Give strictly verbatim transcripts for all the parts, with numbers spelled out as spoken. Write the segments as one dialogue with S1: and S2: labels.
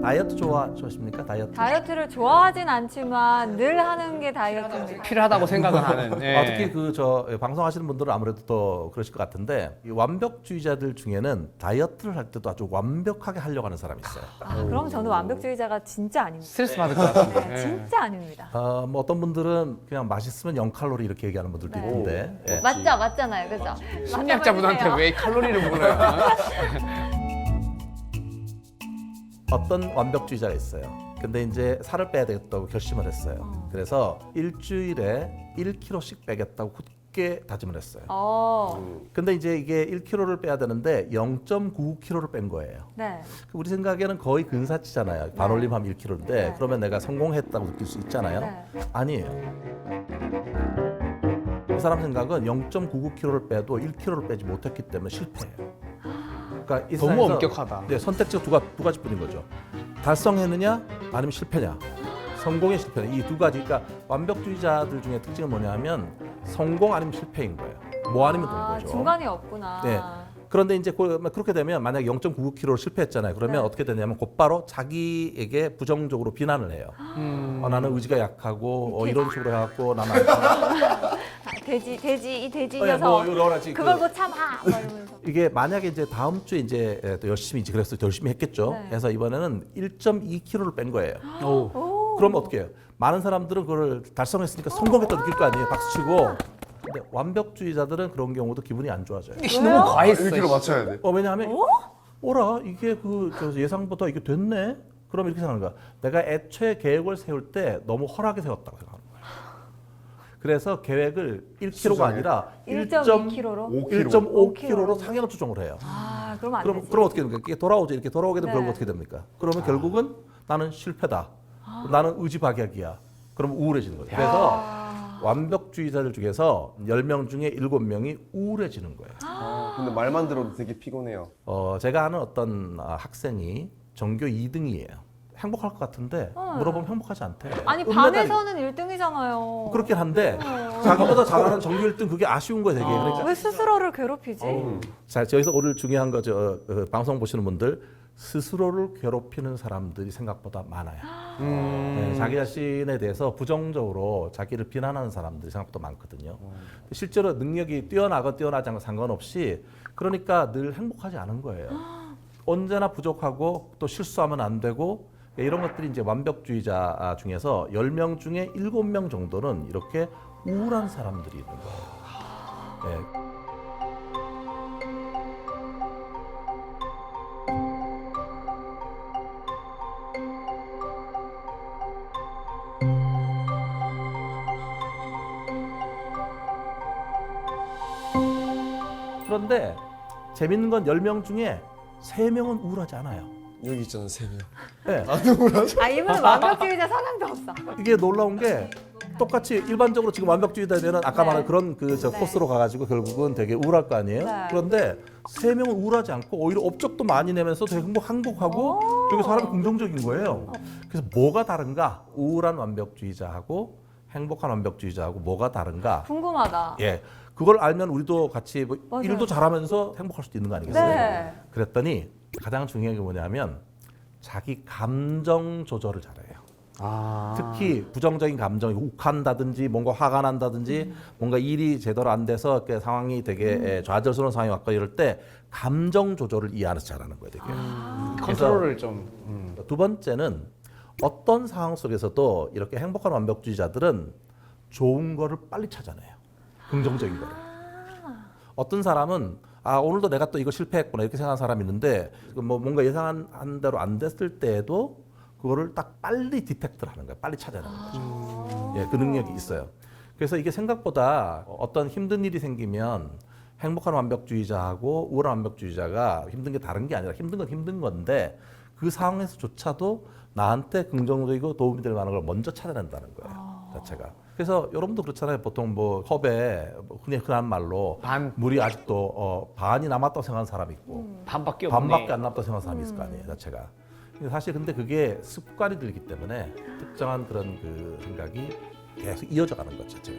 S1: 다이어트 좋아 좋아하십니까? 다이어트.
S2: 다이어트를 좋아하진 않지만 늘 하는 게 다이어트입니다.
S3: 필요하다고 생각을 하는. 예.
S1: 아, 특히 그 저 방송하시는 분들은 아무래도 더 그러실 것 같은데 이 완벽주의자들 중에는 다이어트를 할 때도 아주 완벽하게 하려고 하는 사람이 있어요.
S2: 아, 그럼 저는 완벽주의자가 진짜 아닙니다.
S3: 스트레스 받을 것 같은데.
S2: 네,
S3: 예.
S2: 진짜 아닙니다.
S1: 어, 뭐 어떤 분들은 그냥 맛있으면 영 칼로리 이렇게 얘기하는 분들도
S2: 네.
S1: 있는데 예.
S2: 맞죠, 맞잖아요, 그죠?
S3: 심리학자분한테 왜 칼로리를 물어요?
S1: 어떤 완벽주의자가 있어요. 근데 이제 살을 빼야 되겠다고 결심을 했어요.
S2: 어.
S1: 그래서 일주일에 일 킬로그램씩 빼겠다고 굳게 다짐을 했어요.
S2: 어,
S1: 근데 이제 이게 일 킬로그램를 빼야 되는데 영 점 구구 킬로그램를 뺀 거예요.
S2: 네.
S1: 우리 생각에는 거의 근사치잖아요. 반올림하면 일 킬로그램인데
S2: 네.
S1: 그러면 내가 성공했다고 느낄 수 있잖아요.
S2: 네.
S1: 아니에요. 이 사람 생각은 영 점 구구 킬로그램를 빼도 일 킬로그램를 빼지 못했기 때문에 실패해요. 그러니까 이
S3: 너무
S1: 세상에서
S3: 엄격하다.
S1: 네, 선택지가 두, 가, 두 가지뿐인 거죠. 달성했느냐 아니면 실패냐. 성공의 실패냐. 이 두 가지. 그러니까 완벽주의자들 중에 특징은 뭐냐면 성공 아니면 실패인 거예요. 뭐 아니면 되는
S2: 아,
S1: 거죠.
S2: 중간이 없구나.
S1: 네. 그런데 이제 그- 그렇게 되면 만약에 영 점 구구 킬로그램를 실패했잖아요. 그러면
S2: 네.
S1: 어떻게 되냐면 곧바로 자기에게 부정적으로 비난을 해요.
S3: 음.
S1: 어, 나는 의지가 약하고 어, 이런 식으로 해갖고 나는 안 돼.
S2: 아, 돼지, 돼지, 이 돼지
S1: 어, 예,
S2: 녀석.
S1: 뭐 여러 가지
S2: 그걸
S1: 그-
S2: 못 참아. 막 이러면서.
S1: 이게 만약에 이제 다음 주에 이제 예, 또 열심히 이제 그래서 또 열심히 했겠죠.
S2: 네.
S1: 그래서 이번에는 일 점 이 킬로그램를 뺀 거예요.
S3: 오.
S2: 오.
S1: 그럼 어떻게 해요? 많은 사람들은 그걸 달성했으니까 성공했다 느낄 거 아니에요. 박수치고. 근데 완벽주의자들은 그런 경우도 기분이 안 좋아져요.
S3: 너무 과했어.
S4: 일 킬로그램 맞춰야 돼.
S1: 어, 왜냐하면 오라 이게 그 저 예상보다 이게 됐네. 그럼 이렇게 생각하는 거야. 내가 애초에 계획을 세울 때 너무 허하게 세웠다고 생각하는 거야. 그래서 계획을 일 킬로그램가
S4: 수정해.
S1: 아니라
S2: 일 점 이 킬로그램로?
S4: 오
S1: 일 점 오
S2: 킬로그램.
S1: 킬로그램로 상향 조정을 해요.
S2: 아, 그러면 안
S1: 그럼
S2: 되지.
S1: 그럼 어떻게 됩니까? 이게 돌아오죠. 이렇게 돌아오게 되면
S2: 네.
S1: 결국 어떻게 됩니까? 그러면 결국은 나는 실패다. 나는 의지박약이야. 그럼 우울해지는 거예요. 그래서
S2: 아.
S1: 완벽주의자들 중에서 열 명 중에 일곱 명이 우울해지는 거예요.
S4: 근데 말만 들어도 되게 피곤해요.
S1: 어, 제가 아는 어떤 아, 학생이 전교 이 등이에요. 행복할 것 같은데
S2: 어.
S1: 물어보면 행복하지 않대.
S2: 아니,
S1: 은메달이-
S2: 반에서는 일 등이잖아요.
S1: 그렇긴 한데
S2: 어.
S1: 자기보다 잘하는 전교 일 등 그게 아쉬운 거예요, 되게. 그러니까
S2: 왜 스스로를 괴롭히지?
S1: 자, 여기서 오늘 중요한 거죠. 어, 어, 방송 보시는 분들 스스로를 괴롭히는 사람들이 생각보다 많아요.
S3: 음.
S1: 네, 자기 자신에 대해서 부정적으로 자기를 비난하는 사람들이 생각보다 많거든요. 실제로 능력이 뛰어나건 뛰어나지 않건 상관없이 그러니까 늘 행복하지 않은 거예요. 언제나 부족하고 또 실수하면 안 되고 이런 것들이 이제 완벽주의자 중에서 열 명 중에 일곱 명 정도는 이렇게 우울한 사람들이 있는 거예요. 네. 그런데 재밌는 건 열 명 중에 세 명은 우울하지 않아요.
S4: 여기 있잖아 세 명.
S1: 네.
S2: 아, 이분은 완벽주의자 사상도 없어.
S1: 이게 놀라운 게 똑같이 일반적으로 지금 완벽주의자면은 아까
S2: 네.
S1: 말한 그런 그 저
S2: 네.
S1: 코스로 가가지고 결국은 되게 우울할 거 아니에요.
S2: 네.
S1: 그런데 세 명은 우울하지 않고 오히려 업적도 많이 내면서 되게 행복, 행복하고
S2: 오.
S1: 되게 사람이 긍정적인 거예요. 그래서 뭐가 다른가? 우울한 완벽주의자하고 행복한 완벽주의자하고 뭐가 다른가?
S2: 궁금하다.
S1: 예, 그걸 알면 우리도 같이 뭐
S2: 맞아요.
S1: 일도 잘하면서 행복할 수도 있는 거 아니겠어요?
S2: 네.
S1: 그랬더니 가장 중요한 게 뭐냐면 자기 감정 조절을 잘해요.
S3: 아.
S1: 특히 부정적인 감정이 욱한다든지 뭔가 화가 난다든지
S2: 음.
S1: 뭔가 일이 제대로 안 돼서 이렇게 상황이 되게 에, 좌절스러운 상황이 왔거나 이럴 때 감정 조절을 이해하면서 잘하는 거예요, 되게.
S2: 아.
S3: 컨트롤을 좀. 음.
S1: 두 번째는 어떤 상황 속에서도 이렇게 행복한 완벽주의자들은 좋은 거를 빨리 찾아내요. 긍정적인 거를. 어떤 사람은 아 오늘도 내가 또 이거 실패했구나 이렇게 생각하는 사람이 있는데 뭐 뭔가 예상한 대로 안 됐을 때에도 그거를 딱 빨리 디텍트를 하는 거예요. 빨리 찾아내는 거죠. 예, 그 능력이 있어요. 그래서 이게 생각보다 어떤 힘든 일이 생기면 행복한 완벽주의자하고 우울한 완벽주의자가 힘든 게 다른 게 아니라 힘든 건 힘든 건데 그 상황에서조차도 나한테 긍정적이고 도움이 될 만한 걸 먼저 찾아낸다는 거예요. 자체가. 그래서 여러분도 그렇잖아요. 보통 뭐 컵에 뭐 흔히 흔한 말로
S3: 반.
S1: 물이 아직도 어, 반이 남았다고 생각하는 사람이 있고
S3: 반밖에 없네.
S1: 반밖에 안 남았다고 생각하는 사람이 있을 거 아니에요. 자체가. 근데 사실 근데 그게 습관이 들기 때문에 특정한 그런 그 생각이 계속 이어져 가는 것 자체가.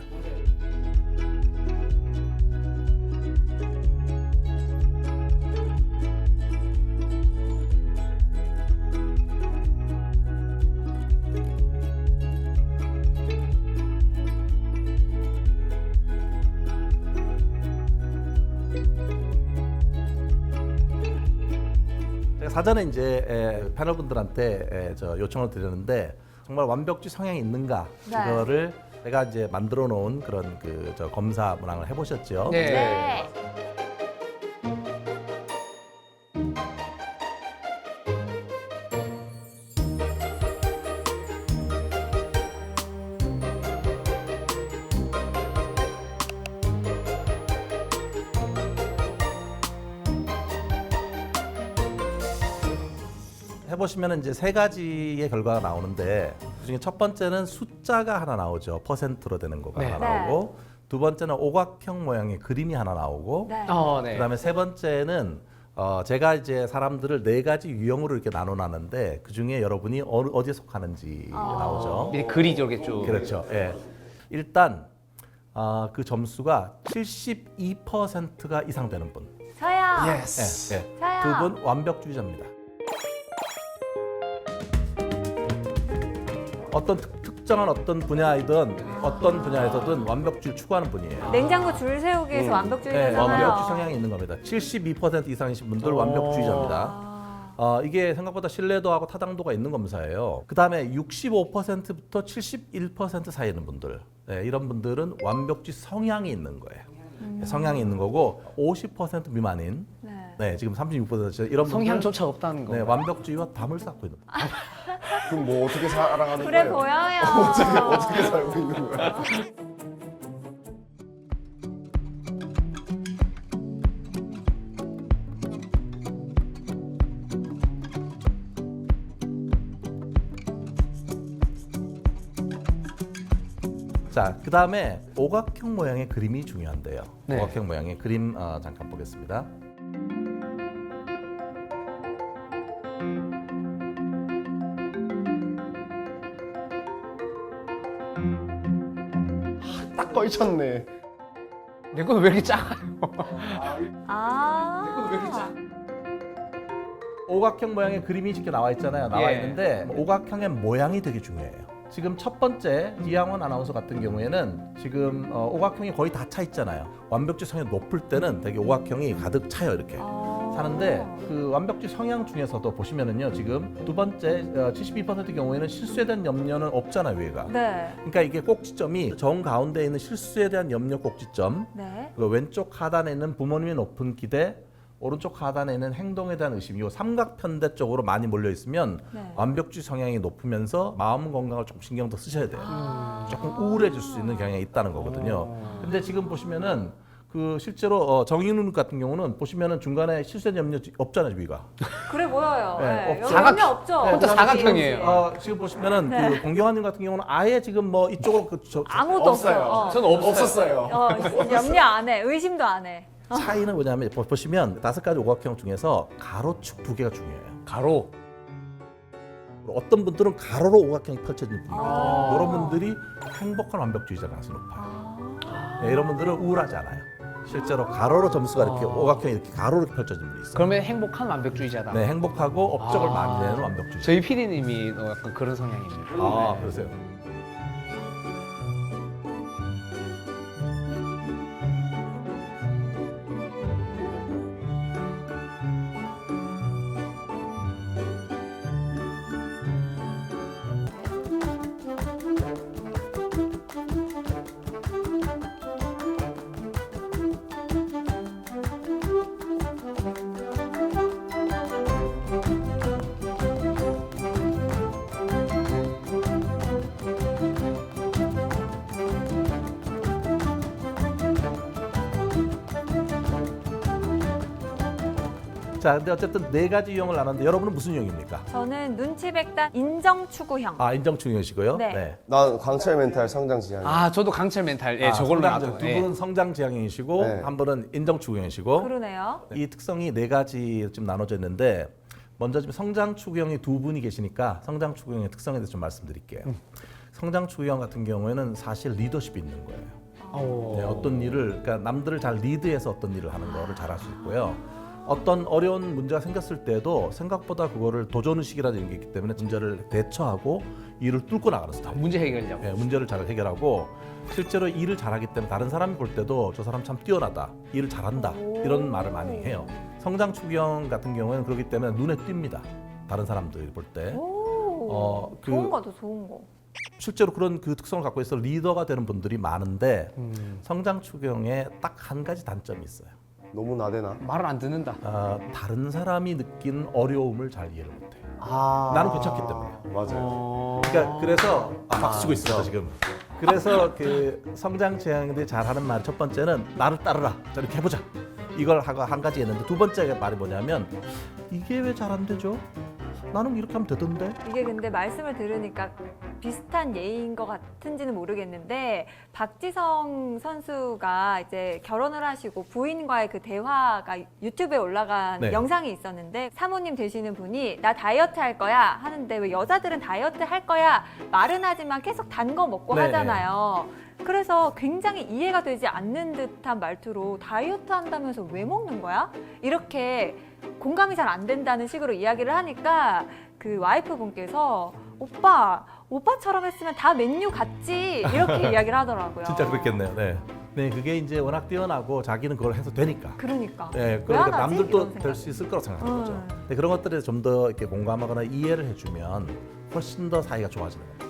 S1: 사전에 이제 에, 패널분들한테 에, 저 요청을 드렸는데 정말 완벽주의 성향이 있는가
S2: 네.
S1: 이거를 제가 이제 만들어 놓은 그런 그 저 검사 문항을 해보셨죠.
S3: 네.
S2: 네.
S1: 해보시면 이제 세 가지의 결과가 나오는데 그중에 첫 번째는 숫자가 하나 나오죠. 퍼센트로 되는 거가
S3: 네.
S1: 하나 나오고 두 번째는 오각형 모양의 그림이 하나 나오고
S2: 네.
S3: 어, 네.
S1: 그다음에 세 번째는 어, 제가 이제 사람들을 네 가지 유형으로 이렇게 나눠놨는데 그 중에 여러분이 어, 어디에 속하는지 나오죠.
S3: 밑에 글이 저렇게 쭉.
S1: 그렇죠. 예. 일단 어, 그 점수가 칠십이 퍼센트가 이상 되는 분.
S2: 저요.
S4: 예스.
S1: 예, 예.
S2: 저요.
S1: 두 분 완벽주의자입니다. 어떤 특, 특정한 어떤 분야이든 어떤 분야에서든 완벽주의를 추구하는 분이에요.
S2: 냉장고 줄 세우기 위해서
S1: 네,
S2: 완벽주의자잖아요.
S1: 완벽주의 성향이 있는 겁니다. 칠십이 퍼센트 이상이신 분들
S3: 오.
S1: 완벽주의자입니다.
S2: 아,
S1: 어, 이게 생각보다 신뢰도하고 타당도가 있는 검사예요. 그 다음에 육십오 퍼센트부터 칠십일 퍼센트 사이에 있는 분들, 네, 이런 분들은 완벽주의 성향이 있는 거예요. 네, 성향이 있는 거고 오십 퍼센트 미만인,
S2: 네.
S1: 네, 지금 삼십육 퍼센트 이런 분들,
S3: 성향조차 없다는 거.
S1: 네, 완벽주의와 담을 쌓고 있는 거예요.
S4: 그럼 뭐 어떻게 살아가는
S2: 그래
S4: 거예요?
S2: 보여요.
S4: 어떻게 어떻게 살고 있는 거야?
S1: 자, 그 다음에 오각형 모양의 그림이 중요한데요.
S3: 네.
S1: 오각형 모양의 그림 어, 잠깐 보겠습니다.
S4: 딱 걸쳤네.
S3: 내 건 왜 이렇게 작아요?
S2: 아.
S1: 오각형 모양의 그림이 이렇게 나와 있잖아요. 나와
S3: 예.
S1: 있는데 오각형의 모양이 되게 중요해요. 지금 첫 번째 이양원 아나운서 같은 경우에는 지금 어, 오각형이 거의 다 차 있잖아요. 완벽주의 성향이 높을 때는 되게 오각형이 가득 차요 이렇게.
S2: 아.
S1: 사는데 그 완벽주의 성향 중에서도 보시면은요 지금 두 번째 어, 칠십이 퍼센트 경우에는 실수에 대한 염려는 없잖아요 위가.
S2: 네.
S1: 그러니까 이게 꼭지점이 정 가운데 있는 실수에 대한 염려 꼭지점,
S2: 네.
S1: 그 왼쪽 하단에 있는 부모님의 높은 기대, 오른쪽 하단에 있는 행동에 대한 의심, 이 삼각편대 쪽으로 많이 몰려 있으면
S2: 네.
S1: 완벽주의 성향이 높으면서 마음 건강을 조금 신경 더 쓰셔야 돼요.
S2: 아.
S1: 조금 우울해질 수 있는 경향이 있다는 거거든요. 근데 지금 보시면은 그 실제로 어, 정인훈 같은 경우는 보시면은 중간에 실수에 대한 염려 없잖아요 위가.
S2: 그래 보여요.
S1: 네,
S2: 네.
S1: 없죠.
S2: 여기 염려 없죠.
S1: 네,
S3: 혼자
S1: 그다음에
S3: 사각형이에요.
S1: 지금, 어, 지금 보시면은
S2: 네.
S1: 그 공경환님 같은 경우는 아예 지금 뭐 이쪽으로 그 저,
S2: 아무도
S4: 없어요.
S2: 없어요. 어.
S3: 저는 없어요.
S4: 없었어요.
S2: 어, 염려 안 해. 의심도 안 해.
S1: 차이는 뭐냐면 보- 보시면 다섯 가지 오각형 중에서 가로축 두 개가 중요해요.
S3: 가로.
S1: 어떤 분들은 가로로 오각형이 펼쳐지는 분이거든요.
S2: 아.
S1: 이런 분들이 행복한 완벽주의자 가능성이 높아요.
S2: 아.
S1: 네, 이런 분들은 우울하지 않아요. 실제로 가로로 점수가 이렇게
S3: 아.
S1: 오각형이 이렇게 가로로 펼쳐진 분이 있어요.
S3: 그러면 행복한 완벽주의자다.
S1: 네, 행복하고 업적을
S3: 아.
S1: 많이 내는 완벽주의자.
S3: 저희 피디님이 약간 그런 성향입니다.
S1: 아,
S3: 네.
S1: 그러세요. 자, 근데 어쨌든 네 가지 유형을 나눴는데 여러분은 무슨 유형입니까?
S2: 저는 눈치 백단 인정 추구형.
S1: 아, 인정충형이시고요.
S2: 네.
S4: 난 강철 멘탈 성장 지향.
S3: 아, 저도 강철 멘탈. 예,
S1: 아,
S3: 저걸로
S1: 성장,
S3: 나도.
S1: 두
S3: 예.
S1: 분은 성장 지향형이시고
S4: 네.
S1: 한 분은 인정충형이시고
S2: 그러네요.
S1: 이 특성이 네 가지 좀 나눠져 있는데 먼저 지금 성장 추구형이 두 분이 계시니까 성장 추구형의 특성에 대해서 좀 말씀드릴게요. 성장 추구형 같은 경우에는 사실 리더십이 있는 거예요.
S3: 오.
S1: 네, 어떤 일을 그러니까 남들을 잘 리드해서 어떤 일을 하는 거를 잘할 수 있고요. 어떤 어려운 문제가 생겼을 때도 생각보다 그거를 도전의식이라는 게 있기 때문에 문제를 대처하고 일을 뚫고 나가는 스타일.
S3: 문제 해결력.
S1: 예, 문제를 잘 해결하고 실제로 일을 잘하기 때문에 다른 사람이 볼 때도 저 사람 참 뛰어나다, 일을 잘한다 이런 말을 많이 해요. 성장 추경 같은 경우에는 그렇기 때문에 눈에 띕니다. 다른 사람들이 볼 때.
S2: 오,
S1: 어, 그-
S2: 좋은 거죠, 좋은 거.
S1: 실제로 그런 그 특성을 갖고 있어 리더가 되는 분들이 많은데
S3: 음.
S1: 성장 추경에 딱 한 가지 단점이 있어요.
S4: 너무 나대나?
S3: 말을 안 듣는다.
S1: 어, 다른 사람이 느낀 어려움을 잘 이해를 못해요.
S3: 아.
S1: 나는 괜찮기 때문에.
S4: 맞아요.
S3: 어...
S1: 그러니까 그래서 아, 박수 치고 있어 지금. 그래서 그 성장 지향들이 잘하는 말 첫 번째는 나를 따르라. 자, 이렇게 해보자. 이걸 하고 한 가지 했는데 두 번째 말이 뭐냐면 이게 왜 잘 안 되죠? 나는 이렇게 하면 되던데.
S2: 이게 근데 말씀을 들으니까 비슷한 예인 것 같은지는 모르겠는데 박지성 선수가 이제 결혼을 하시고 부인과의 그 대화가 유튜브에 올라간
S1: 네.
S2: 영상이 있었는데 사모님 되시는 분이 나 다이어트 할 거야 하는데 왜 여자들은 다이어트 할 거야 말은 하지만 계속 단 거 먹고
S1: 네.
S2: 하잖아요. 그래서 굉장히 이해가 되지 않는 듯한 말투로 다이어트 한다면서 왜 먹는 거야? 이렇게 공감이 잘 안 된다는 식으로 이야기를 하니까 그 와이프 분께서 오빠, 오빠처럼 했으면 다 맨유 같지 이렇게 이야기를 하더라고요.
S1: 진짜 그렇겠네요. 네. 네, 그게 이제 워낙 뛰어나고 자기는 그걸 해서 되니까.
S2: 그러니까.
S1: 네,
S2: 왜
S1: 그러니까
S2: 안 하지?
S1: 남들도
S2: 이런 생각.
S1: 될 수 있을 거라고 생각하는 거죠.
S2: 음.
S1: 근데 그런 것들에 좀 더 이렇게 공감하거나 이해를 해주면 훨씬 더 사이가 좋아지는 겁니다.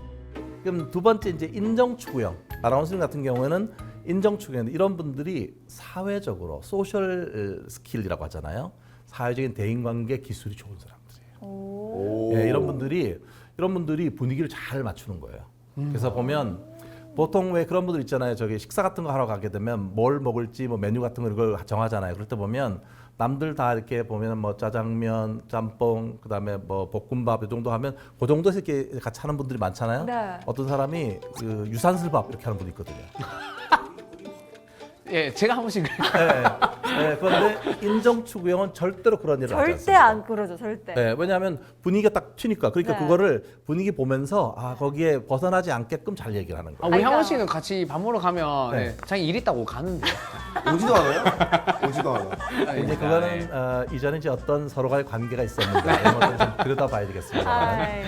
S1: 그럼 두 번째 이제 인정 추구형. 아나운서님 같은 경우에는 인정 추구형 이런 분들이 사회적으로 소셜 스킬이라고 하잖아요. 사회적인 대인관계 기술이 좋은 사람들이에요.
S2: 오.
S1: 예, 이런 분들이 이런 분들이 분위기를 잘 맞추는 거예요. 그래서 보면 보통 왜 그런 분들 있잖아요. 저기 식사 같은 거 하러 가게 되면 뭘 먹을지 뭐 메뉴 같은 거 이걸 정하잖아요. 그럴 때 보면 남들 다 이렇게 보면 뭐 짜장면, 짬뽕, 그다음에 뭐 볶음밥 이 정도 하면 그 정도에서 이렇게 같이 하는 분들이 많잖아요.
S2: 네.
S1: 어떤 사람이 그 유산슬밥 이렇게 하는 분이 있거든요.
S3: 예, 제가 한 번씩
S1: 네, 네, 그런데 인정 추구형은 절대로 그런 일을 하지
S2: 절대
S1: 않습니다.
S2: 안 그러죠, 절대.
S1: 네, 왜냐하면 분위기가 딱 튀니까 그러니까
S2: 네.
S1: 그거를 분위기 보면서 아 거기에 벗어나지 않게끔 잘 얘기를 하는
S3: 아,
S1: 거예요.
S3: 우리
S2: 그러니까-
S3: 향원 씨는 같이 밥 먹으러 가면
S1: 네.
S3: 네. 자기 일 있다고 가는데.
S4: 오지도 않아요? 오지도 않아.
S1: 이제 그거는 어, 이전에 이제 어떤 서로가의 관계가 있었는데 이런 것들 좀 들여다봐야 되겠습니다.
S2: 아이,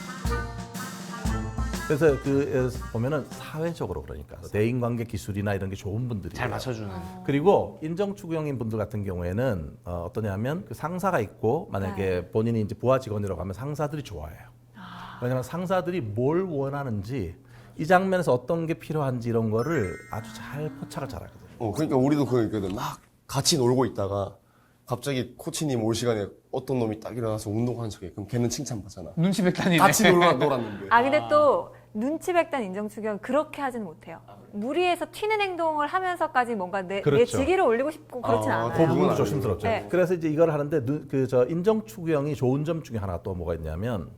S1: 그래서 그 보면은 사회적으로 그러니까 대인관계 기술이나 이런 게 좋은 분들이
S3: 잘 맞춰주는.
S1: 그리고 인정 추구형인 분들 같은 경우에는 어, 어떠냐면 그 상사가 있고 만약에 본인이 이제 부하 직원이라고 하면 상사들이 좋아해요. 왜냐하면 상사들이 뭘 원하는지 이 장면에서 어떤 게 필요한지 이런 거를 아주 잘 포착을 잘하거든요.
S4: 어, 그러니까 우리도 그거 있거든. 막 같이 놀고 있다가 갑자기 코치님 올 시간에 어떤 놈이 딱 일어나서 운동하는 척해. 그럼 걔는 칭찬받잖아.
S3: 눈치 백단이네.
S4: 같이 놀아, 놀았는데.
S2: 아 근데 또 눈치 백단 인정 추경 그렇게 하지는 못해요. 무리해서 튀는 행동을 하면서까지 뭔가 내, 내
S1: 그렇죠.
S2: 직위를 올리고 싶고 그렇진
S4: 아,
S2: 않아요.
S1: 그
S4: 그건
S1: 부분도
S4: 아니에요.
S1: 조심스럽죠.
S2: 네.
S1: 그래서 이제 이걸 하는데 그 저 인정 추구형이 좋은 점 중에 하나가 또 뭐가 있냐면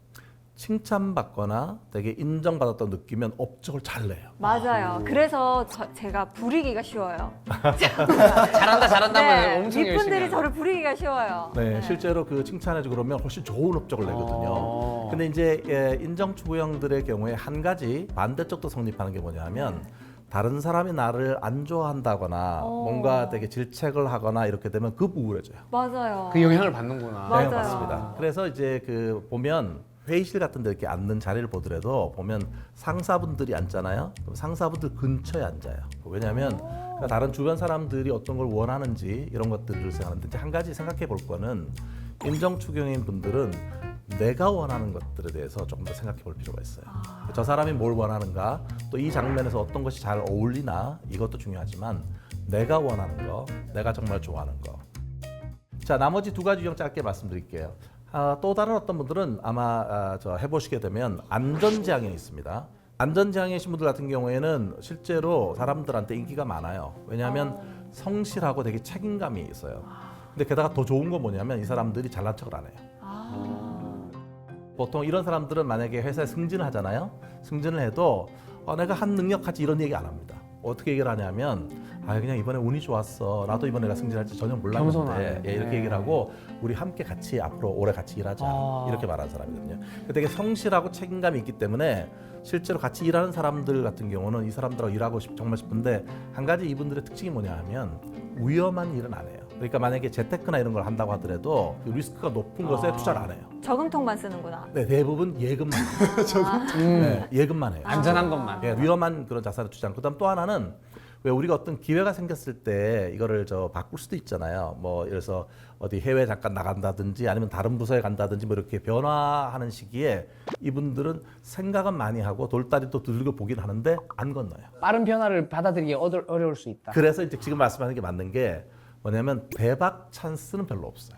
S1: 칭찬받거나 되게 인정받았다고 느끼면 업적을 잘 내요.
S2: 맞아요. 그래서 저- 제가 부리기가 쉬워요.
S3: 잘한다 잘한다 하면
S2: 네,
S3: 엄청 열심히.
S2: 이분들이
S3: 하는.
S2: 저를 부리기가 쉬워요.
S1: 네, 실제로 그 칭찬해주고 그러면 훨씬 좋은 업적을 내거든요.
S3: 어.
S1: 근데 이제 예, 인정 추구형들의 경우에 한 가지 반대쪽도 성립하는 게 뭐냐면 다른 사람이 나를 안 좋아한다거나
S2: 어.
S1: 뭔가 되게 질책을 하거나 이렇게 되면 급 우울해져요.
S2: 맞아요.
S3: 그 영향을 받는구나.
S2: 맞아요.
S1: 네, 맞습니다. 그래서 이제 그 보면 회의실 같은 데 이렇게 앉는 자리를 보더라도 보면 상사분들이 앉잖아요. 그럼 상사분들 근처에 앉아요. 왜냐하면 그러니까 다른 주변 사람들이 어떤 걸 원하는지 이런 것들을 생각하는데 이제 한 가지 생각해 볼 거는 인정 추경인 분들은 내가 원하는 것들에 대해서 조금 더 생각해 볼 필요가 있어요. 저 사람이 뭘 원하는가, 또 이 장면에서 어떤 것이 잘 어울리나 이것도 중요하지만 내가 원하는 거, 내가 정말 좋아하는 거. 자, 나머지 두 가지 유형 짧게 말씀드릴게요. 아, 또 다른 어떤 분들은 아마 아, 저 해보시게 되면 안전지향이 있습니다. 안전지향이신 분들 같은 경우에는 실제로 사람들한테 인기가 많아요. 왜냐하면 성실하고 되게 책임감이 있어요. 근데 게다가 더 좋은 건 뭐냐면 이 사람들이 잘난 척을 안 해요.
S2: 아,
S1: 보통 이런 사람들은 만약에 회사에 승진을 하잖아요. 승진을 해도 어, 내가 한 능력까지 이런 얘기 안 합니다. 어떻게 얘기를 하냐면 아 그냥 이번에 운이 좋았어. 나도 이번에 내가 승진할지 전혀 몰랐는데
S3: 겸손하네.
S1: 예, 이렇게
S3: 네.
S1: 얘기를 하고 우리 함께 같이 앞으로 오래 같이 일하자
S3: 아.
S1: 이렇게 말하는 사람이거든요. 되게 성실하고 책임감이 있기 때문에 실제로 같이 일하는 사람들 같은 경우는 이 사람들하고 일하고 싶, 정말 싶은데 한 가지 이분들의 특징이 뭐냐 하면 위험한 일은 안 해요. 그러니까 만약에 재테크나 이런 걸 한다고 하더라도 그 리스크가 높은 것에
S3: 아.
S1: 투자를 안 해요.
S2: 저금통만 쓰는구나.
S1: 네, 대부분 예금만 해요.
S3: 음.
S1: 네, 예금만 해요.
S3: 안전한 것만.
S1: 예, 위험한 그런 자산을 투자하는. 그다음 또 하나는 왜 우리가 어떤 기회가 생겼을 때 이거를 저 바꿀 수도 있잖아요. 뭐 예를 들어서 어디 해외 잠깐 나간다든지 아니면 다른 부서에 간다든지 뭐 이렇게 변화하는 시기에 이분들은 생각은 많이 하고 돌다리도 두들겨 보긴 하는데 안 건너요.
S3: 빠른 변화를 받아들이기 어려- 어려울 수 있다.
S1: 그래서 이제 지금 말씀하는 게 맞는 게 뭐냐면 대박 찬스는 별로 없어요.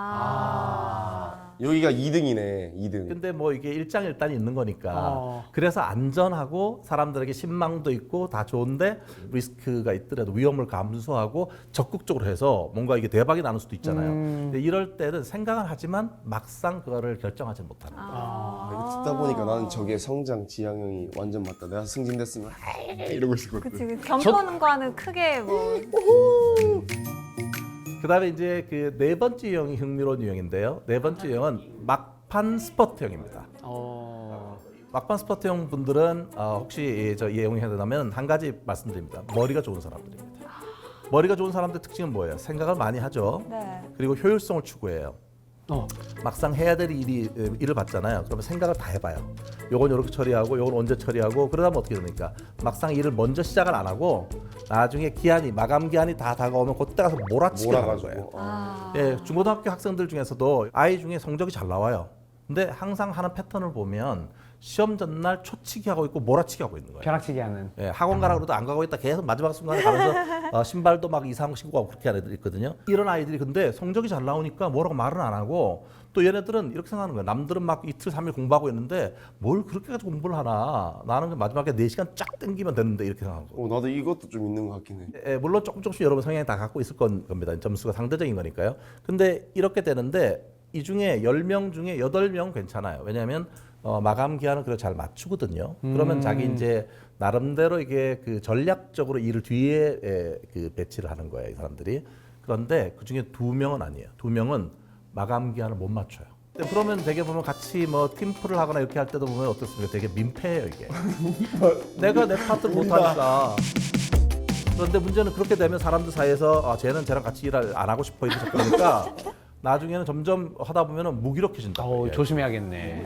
S2: 아.
S4: 여기가 이 등이네, 이 등.
S1: 근데 뭐 이게 일장일단이 있는 거니까
S3: 어.
S1: 그래서 안전하고 사람들에게 신망도 있고 다 좋은데 리스크가 있더라도 위험을 감수하고 적극적으로 해서 뭔가 이게 대박이 나는 수도 있잖아요.
S3: 음.
S1: 근데 이럴 때는 생각은 하지만 막상 그거를 결정하지 못하는 거예요.
S2: 아.
S4: 이거 듣다 보니까 나는 저게 성장 지향형이 완전 맞다. 내가 승진됐으면 이러고 있었거든.
S2: 그치, 그 경건과는 크게 뭐.
S1: 그다음에 이제 그 네 번째 유형이 흥미로운 유형인데요. 네 번째 유형은 막판 스퍼트형입니다.
S3: 어.
S1: 막판 스퍼트형 분들은 어, 혹시 저 이해용이 해야 한 가지 말씀드립니다. 머리가 좋은 사람들입니다. 머리가 좋은 사람들 특징은 뭐예요? 생각을 많이 하죠.
S2: 네.
S1: 그리고 효율성을 추구해요.
S3: 어.
S1: 막상 해야 될 일이 일을 받잖아요. 그러면 생각을 다 해봐요. 요건 이렇게 처리하고 요건 언제 처리하고 그러다면 어떻게 됩니까? 막상 일을 먼저 시작을 안 하고 나중에 기한이 마감 기한이 다 다가오면 그때 가서 몰아치게 하는 거예요.
S4: 몰아가지고.
S2: 아.
S1: 예, 중고등학교 학생들 중에서도 아이 중에 성적이 잘 나와요. 근데 항상 하는 패턴을 보면 시험 전날 초치기 하고 있고 몰아치기 하고 있는 거예요.
S3: 벼락치기 하는.
S1: 예, 학원 가라 그래도 안 가고 있다 계속 마지막 순간에 가면서 어, 신발도 막 이상한 거 신고 가고 그렇게 하는 애들이 있거든요. 이런 아이들이 근데 성적이 잘 나오니까 뭐라고 말은 안 하고 또 얘네들은 이렇게 생각하는 거예요. 남들은 막 이틀 삼일 공부하고 있는데 뭘 그렇게 가지고 공부를 하나. 나는 마지막에 네 시간 쫙 땡기면 되는데 이렇게 생각하는 거예요.
S4: 어, 나도 이것도 좀 있는 것 같긴 해.
S1: 예, 물론 조금 조금씩 여러분 성향이 다 갖고 있을 건 겁니다. 점수가 상대적인 거니까요. 근데 이렇게 되는데 이 중에 열 명 중에 여덟 명은 괜찮아요. 왜냐하면 어, 마감 기한을 그래 잘 맞추거든요. 그러면 자기 이제 나름대로 이게 그 전략적으로 일을 뒤에 에, 그 배치를 하는 거예요, 이 사람들이. 그런데 그 중에 두 명은 아니에요. 두 명은 마감 기한을 못 맞춰요. 근데 그러면 되게 보면 같이 뭐 팀플을 하거나 이렇게 할 때도 보면 어떻습니까? 되게 민폐예요, 이게. 내가 내 파트를 못 하니까. 그런데 문제는 그렇게 되면 사람들 사이에서 아, 쟤는 쟤랑 같이 일 안 하고 싶어 이렇게 그러니까 나중에는 점점 하다 보면은 무기력해진다.
S3: 어, 조심해야겠네.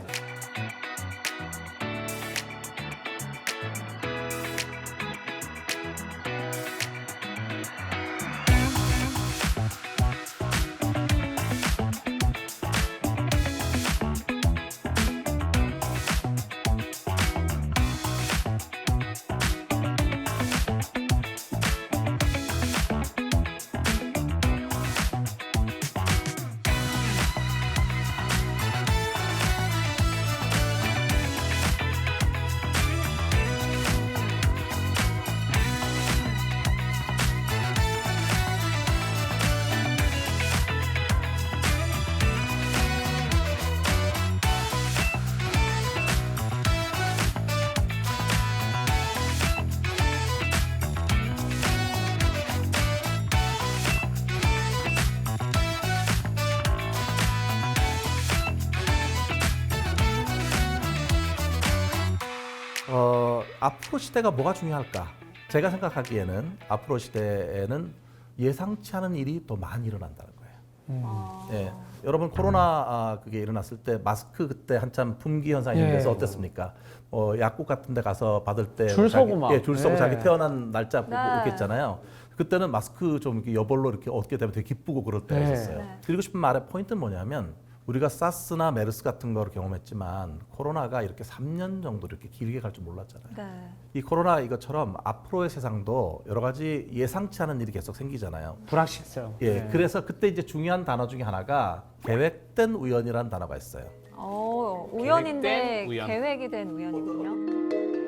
S1: 어, 앞으로 시대가 뭐가 중요할까? 제가 생각하기에는 앞으로 시대에는 예상치 않은 일이 더 많이 일어난다는 거예요.
S2: 아.
S1: 예, 여러분 코로나 아, 그게 일어났을 때 마스크 그때 한참 품귀 현상이
S3: 예.
S1: 생겨서 어땠습니까? 어, 약국 같은 데 가서 받을 때
S3: 줄
S1: 자기-
S3: 서고 막.
S1: 예, 줄 서고
S3: 예.
S1: 자기 태어난 날짜 보고
S2: 네.
S1: 이렇게 했잖아요. 그때는 마스크 좀 이렇게 여벌로 이렇게 어떻게 되면 되게 기쁘고 그럴 때가
S3: 네.
S1: 있었어요.
S2: 네.
S1: 드리고 싶은 말의 포인트는 뭐냐면 우리가 사스나 메르스 같은 거를 경험했지만 코로나가 이렇게 삼 년 정도 이렇게 길게 갈 줄 몰랐잖아요.
S2: 네.
S1: 이 코로나 이것처럼 앞으로의 세상도 여러 가지 예상치 않은 일이 계속 생기잖아요.
S3: 불확실성.
S1: 예,
S3: 네.
S1: 그래서 그때 이제 중요한 단어 중에 하나가 계획된 우연이라는 단어가 있어요.
S2: 어, 우연인데
S3: 계획된 우연.
S2: 계획이 된 우연이군요.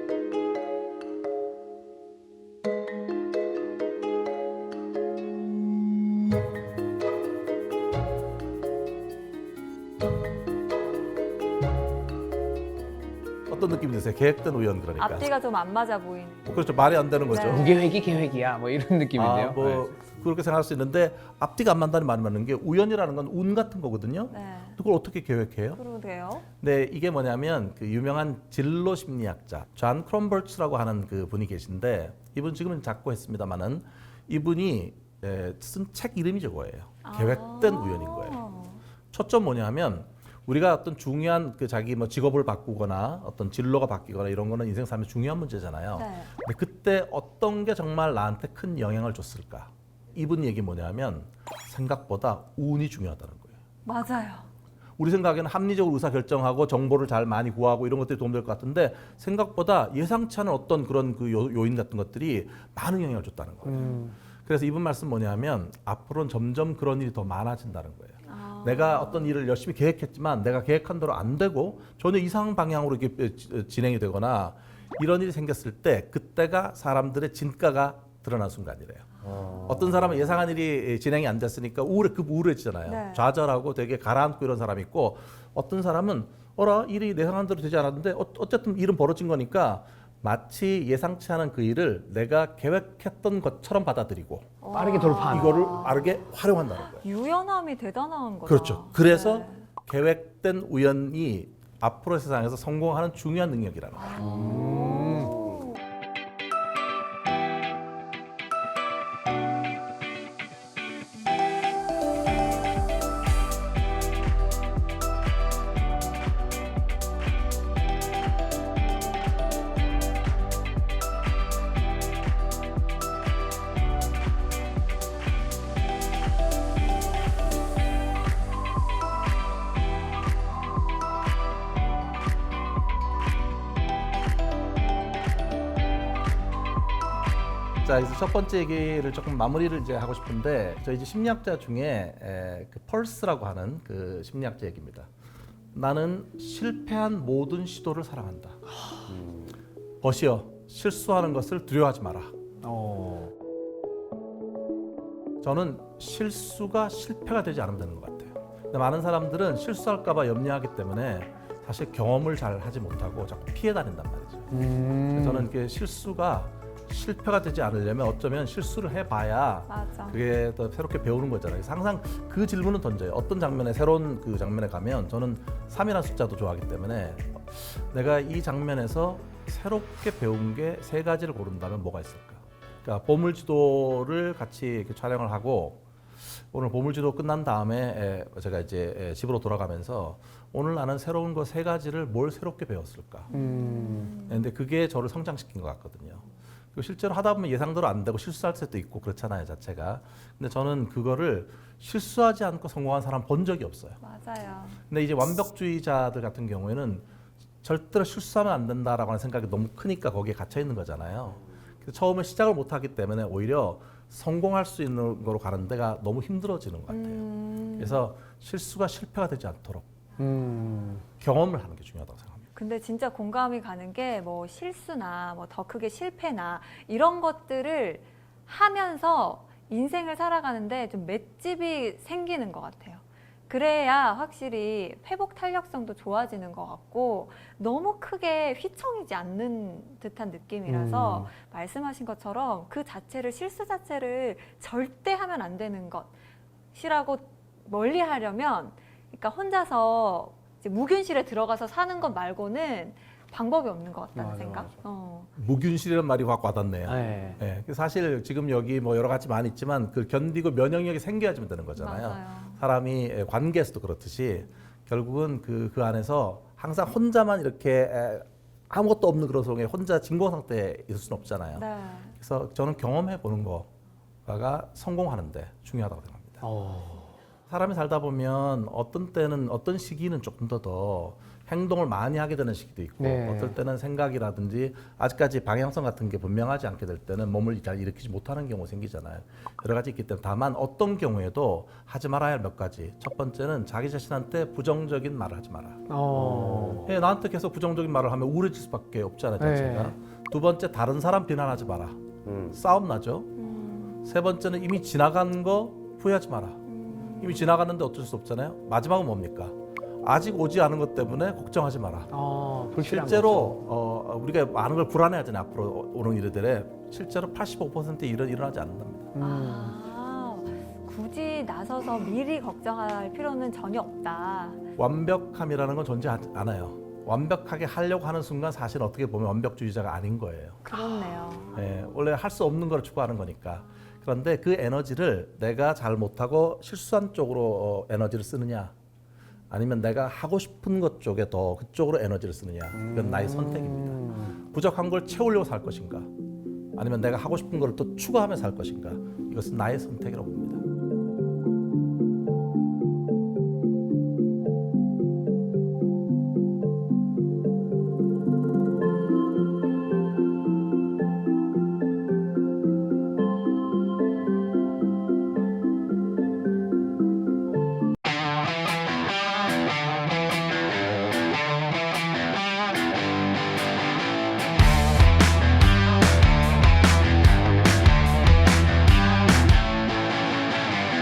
S1: 어떤 느낌이 드세요? 계획된 우연 그러니까.
S2: 앞뒤가 좀 안 맞아 보이는.
S1: 그렇죠. 말이 안 되는 거죠.
S2: 네.
S3: 무계획이 계획이야. 뭐 이런 느낌인데요.
S1: 아, 뭐
S3: 네.
S1: 그렇게 생각할 수 있는데 앞뒤가 안 맞다는 말이 맞는 게 우연이라는 건 운 같은 거거든요.
S2: 네.
S1: 그걸 어떻게 계획해요?
S2: 그러게요.
S1: 네, 이게 뭐냐면 그 유명한 진로 심리학자 존 크롬버츠라고 하는 그 분이 계신데 이분 지금은 작고 했습니다만은 이분이 예, 쓴 책 이름이 저거예요. 계획된
S2: 아.
S1: 우연인 거예요. 초점 뭐냐면 우리가 어떤 중요한 그 자기 뭐 직업을 바꾸거나 어떤 진로가 바뀌거나 이런 거는 인생 삶의 중요한 문제잖아요.
S2: 네.
S1: 근데 그때 어떤 게 정말 나한테 큰 영향을 줬을까? 이분 얘기 뭐냐면 생각보다 운이 중요하다는 거예요.
S2: 맞아요.
S1: 우리 생각에는 합리적으로 의사 결정하고 정보를 잘 많이 구하고 이런 것들이 도움될 것 같은데 생각보다 예상치 않은 어떤 그런 그 요, 요인 같은 것들이 많은 영향을 줬다는 거예요.
S3: 음.
S1: 그래서 이분 말씀 뭐냐면 앞으로는 점점 그런 일이 더 많아진다는 거예요.
S2: 아.
S1: 내가 어떤 일을 열심히 계획했지만 내가 계획한 대로 안 되고 전혀 이상 방향으로 이렇게 지- 진행이 되거나 이런 일이 생겼을 때 그때가 사람들의 진가가 드러난 순간이래요. 어떤 사람은 예상한 일이 진행이 안 됐으니까 우울해, 급 우울해지잖아요.
S2: 네.
S1: 좌절하고 되게 가라앉고 이런 사람이 있고 어떤 사람은 어라 일이 예상한 대로 되지 않았는데 어, 어쨌든 일은 벌어진 거니까 마치 예상치 않은 그 일을 내가 계획했던 것처럼 받아들이고
S3: 빠르게 돌파하는.
S1: 이거를 빠르게 활용한다는 거예요.
S2: 유연함이 대단한 거죠.
S1: 그렇죠. 그래서
S2: 네.
S1: 계획된 우연이 앞으로 세상에서 성공하는 중요한 능력이라는 거예요.
S2: 오.
S1: 자, 그래서 첫 번째 얘기를 조금 마무리를 이제 하고 싶은데 저희 이제 심리학자 중에 에, 그 펄스라고 하는 그 심리학자 얘기입니다. 나는 실패한 모든 시도를 사랑한다. 버시어 실수하는 것을 두려워하지 마라.
S3: 어.
S1: 저는 실수가 실패가 되지 않으면 되는 것 같아요. 근데 많은 사람들은 실수할까봐 염려하기 때문에 사실 경험을 잘 하지 못하고 자꾸 피해 다닌단 말이죠.
S3: 음.
S1: 저는 이렇게 실수가 실패가 되지 않으려면 어쩌면 실수를 해봐야
S2: 맞아.
S1: 그게 더 새롭게 배우는 거잖아요. 그래서 항상 그 질문은 던져요. 어떤 장면에 새로운 그 장면에 가면 저는 삼이라는 숫자도 좋아하기 때문에 내가 이 장면에서 새롭게 배운 게 세 가지를 고른다면 뭐가 있을까? 그러니까 보물지도를 같이 이렇게 촬영을 하고 오늘 보물지도 끝난 다음에 에, 제가 이제 에, 집으로 돌아가면서 오늘 나는 새로운 거 세 가지를 뭘 새롭게 배웠을까?
S3: 음.
S1: 근데 그게 저를 성장시킨 것 같거든요. 그리고 실제로 하다 보면 예상대로 안 되고 실수할 때도 있고 그렇잖아요, 자체가. 근데 저는 그거를 실수하지 않고 성공한 사람 본 적이 없어요.
S2: 맞아요.
S1: 근데 이제 완벽주의자들 같은 경우에는 절대로 실수하면 안 된다라고 하는 생각이 너무 크니까 거기에 갇혀 있는 거잖아요. 그래서 처음에 시작을 못 하기 때문에 오히려 성공할 수 있는 거로 가는 데가 너무 힘들어지는 것 같아요.
S2: 음.
S1: 그래서 실수가 실패가 되지 않도록
S3: 음.
S1: 경험을 하는 게 중요하다고 생각합니다.
S2: 근데 진짜 공감이 가는 게 뭐 실수나 뭐 더 크게 실패나 이런 것들을 하면서 인생을 살아가는데 좀 맷집이 생기는 것 같아요. 그래야 확실히 회복 탄력성도 좋아지는 것 같고 너무 크게 휘청이지 않는 듯한 느낌이라서
S3: 음.
S2: 말씀하신 것처럼 그 자체를 실수 자체를 절대 하면 안 되는 것이라고 멀리 하려면 그러니까 혼자서 이제 무균실에 들어가서 사는 것 말고는 방법이 없는 것 같다는
S3: 맞아,
S2: 생각.
S3: 맞아.
S2: 어.
S1: 무균실이라는 말이 확 와닿네요.
S3: 네.
S1: 네, 사실 지금 여기 뭐 여러 가지 많이 있지만 그 견디고 면역력이 생겨야지만 되는 거잖아요.
S2: 맞아요.
S1: 사람이 관계에서도 그렇듯이 결국은 그, 그 안에서 항상 혼자만 이렇게 에, 아무것도 없는 그런 속에 혼자 진공 상태에 있을 수는 없잖아요.
S2: 네.
S1: 그래서 저는 경험해 보는 거가 성공하는데 중요하다고 생각합니다.
S3: 어.
S1: 사람이 살다 보면 어떤 때는 어떤 시기는 조금 더 더 행동을 많이 하게 되는 시기도 있고
S3: 네.
S1: 어떨 때는 생각이라든지 아직까지 방향성 같은 게 분명하지 않게 될 때는 몸을 잘 일으키지 못하는 경우가 생기잖아요. 여러 가지 있기 때문에 다만 어떤 경우에도 하지 말아야 할 몇 가지. 첫 번째는 자기 자신한테 부정적인 말을 하지 마라.
S3: 어.
S1: 예, 나한테 계속 부정적인 말을 하면 우울해질 수밖에 없잖아요, 자체가.
S3: 네.
S1: 두 번째 다른 사람 비난하지 마라.
S4: 음.
S1: 싸움 나죠.
S2: 음.
S1: 세 번째는 이미 지나간 거 후회하지 마라.
S2: 음.
S1: 이미 지나갔는데 어쩔 수 없잖아요. 마지막은 뭡니까? 아직 오지 않은 것 때문에 걱정하지 마라.
S3: 어. 불필요한
S1: 실제로 어, 우리가 많은 걸 불안해하잖아요. 앞으로 오는 일들에 실제로 팔십오 퍼센트의 일은 일어나지 않는답니다.
S3: 거죠. 음.
S2: 아, 굳이 나서서 미리 걱정할 필요는 전혀 없다.
S1: 완벽함이라는 건 존재하지 않아요. 완벽하게 하려고 하는 순간 사실 어떻게 보면 완벽주의자가 아닌 거예요.
S2: 그렇네요.
S1: 예, 원래 할 수 없는 걸 추구하는 거니까. 그런데 그 에너지를 내가 잘 못하고 실수한 쪽으로 어, 에너지를 쓰느냐, 아니면 내가 하고 싶은 것 쪽에 더 그쪽으로 에너지를 쓰느냐, 이건 나의 선택입니다.
S3: 음.
S1: 부족한 걸 채우려고 살 것인가, 아니면 내가 하고 싶은 걸 또 추가하며 살 것인가, 이것은 나의 선택이라고 봅니다.